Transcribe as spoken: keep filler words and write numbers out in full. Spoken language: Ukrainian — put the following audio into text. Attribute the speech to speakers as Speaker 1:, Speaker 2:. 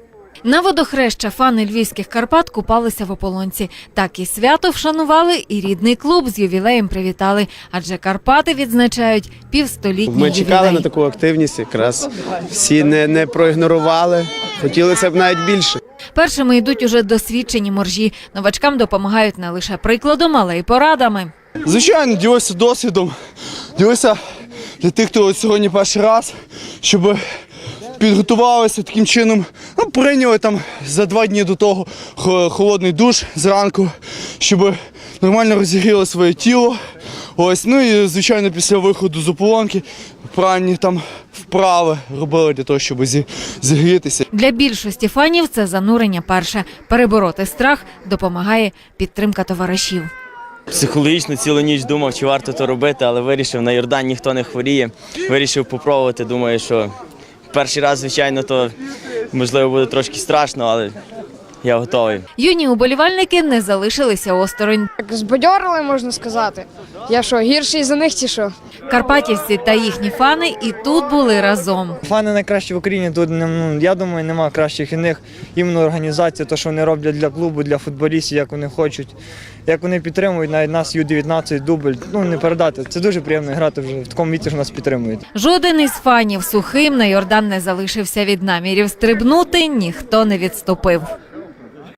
Speaker 1: На водохреща фани львівських Карпат купалися в ополонці. Так і свято вшанували, і рідний клуб з ювілеєм привітали. Адже Карпати відзначають півстолітній ювілей.
Speaker 2: Ми чекали на таку активність, якраз всі не, не проігнорували, хотілося б навіть більше.
Speaker 1: Першими йдуть уже досвідчені моржі. Новачкам допомагають не лише прикладом, але й порадами.
Speaker 3: Звичайно, ділися досвідом, ділися для тих, хто сьогодні перший раз, щоб підготувалися таким чином, ну, прийняли там за два дні до того холодний душ зранку, щоб нормально розігріли своє тіло. Ось, ну і, звичайно, після виходу з ополонки правильні там вправи робили для того, щоб зігрітися.
Speaker 1: Для більшості фанів це занурення перше. Перебороти страх допомагає підтримка товаришів.
Speaker 4: Психологічно цілу ніч думав, чи варто то робити, але вирішив, на Йордан ніхто не хворіє. Вирішив попробувати, думаю, що перший раз, звичайно, то можливо буде трошки страшно, але я готовий.
Speaker 1: Юні уболівальники не залишилися осторонь.
Speaker 5: Так збадьорили, можна сказати. Я що, гірший за них чи що?
Speaker 1: Карпатівці та їхні фани і тут були разом.
Speaker 6: Фани найкращі в Україні, тут, ну, я думаю, немає кращих і них. Іменно організація, те, що вони роблять для клубу, для футболістів, як вони хочуть, як вони підтримують, навіть нас ю дев'ятнадцять, дубль, ну не передати. Це дуже приємно грати вже в такому віці, що нас підтримують.
Speaker 1: Жоден із фанів сухим на Йордан не залишився від намірів стрибнути, ніхто не відступив.